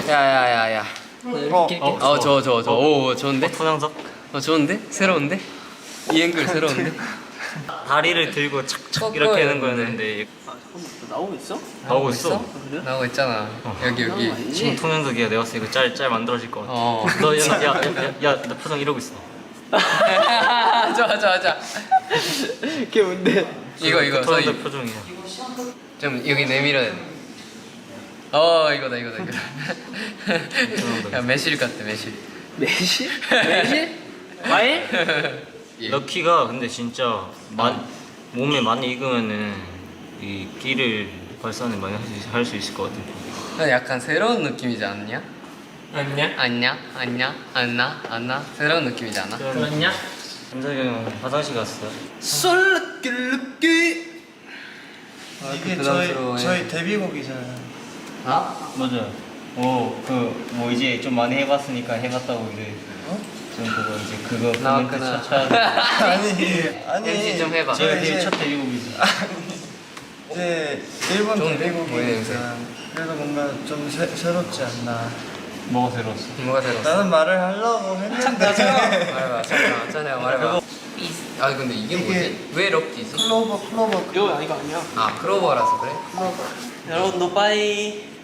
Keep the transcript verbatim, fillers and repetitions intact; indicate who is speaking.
Speaker 1: 야야야야.
Speaker 2: 어,
Speaker 1: 어, 저, 저, 저. 오, 좋은데?
Speaker 2: 토양석.
Speaker 1: 어, 좋은데? 새로운데? 이 앵글 새로운데?
Speaker 2: 다리를 들고 착착
Speaker 1: 꺾어야
Speaker 2: 이렇게 하는
Speaker 1: 되는데.
Speaker 2: 거였는데
Speaker 3: 나오고 있어?
Speaker 2: 나오고 있어.
Speaker 1: 나오고 있잖아. 여기, 여기.
Speaker 2: 지금 통영석이야. 내가 봤을 때 이거 짤, 짤 만들어질 것 같아.
Speaker 1: 어.
Speaker 2: 너, 야, 야, 야, 야, 너 표정 이러고 있어.
Speaker 1: 좋아, 좋아, 좋아.
Speaker 3: 그게 뭔데?
Speaker 1: 이거, 이거.
Speaker 2: 토양석
Speaker 1: 저희
Speaker 2: 표정이야.
Speaker 1: 좀 여기 내밀어야 돼. 어, 이거다, 이거다, 이거다. 야, 매실 같아, 매실.
Speaker 3: 매실? 매실? 과일?
Speaker 1: 예.
Speaker 2: 럭키가 근데 진짜 만, 몸에 많이 익으면은 이 끼를 발산을 많이 할 수 있을 것 같아.
Speaker 1: 난 약간 새로운 느낌이지 않냐?
Speaker 3: 아니냐?
Speaker 1: 안냐? 안냐? 안나? 안나? 새로운 느낌이지 않아?
Speaker 3: 그렇냐?
Speaker 2: 현석이 형 화장실 갔어.
Speaker 4: 솔르끼르끼 이게 저희
Speaker 1: 부담스러워해.
Speaker 4: 저희 데뷔곡이잖아요.
Speaker 1: 아?
Speaker 2: 맞아. 오, 그 뭐 이제 좀 많이 해봤으니까 해봤다고 이제. 어? 좀 그거 이제 그거 코멘트
Speaker 1: 나왔구나.
Speaker 2: 쳐쳐야 돼.
Speaker 4: 아니 아니
Speaker 1: 엠씨 좀 해봐.
Speaker 2: 저희
Speaker 4: 저희
Speaker 2: 데뷔
Speaker 4: 이제
Speaker 2: 첫 데뷔곡이지.
Speaker 4: 이제 일본
Speaker 1: 좋은데?
Speaker 4: 데뷔곡이니까
Speaker 1: 보이네,
Speaker 4: 그래서 뭔가 좀 새, 새롭지 않나.
Speaker 2: 뭐가 새로웠어?
Speaker 1: 뭐가 새로웠어?
Speaker 4: 나는 말을 하려고 했는데
Speaker 1: 말해봐, 잠깐만, 천혜야 말해봐. 아 근데 이게
Speaker 4: 이게-
Speaker 1: 뭐지? 왜 럭키지?
Speaker 4: 클로버 클로버
Speaker 3: 이거 이거 아니야?
Speaker 1: 아, 크로버라서 그래?
Speaker 3: 여러분 너 빠이.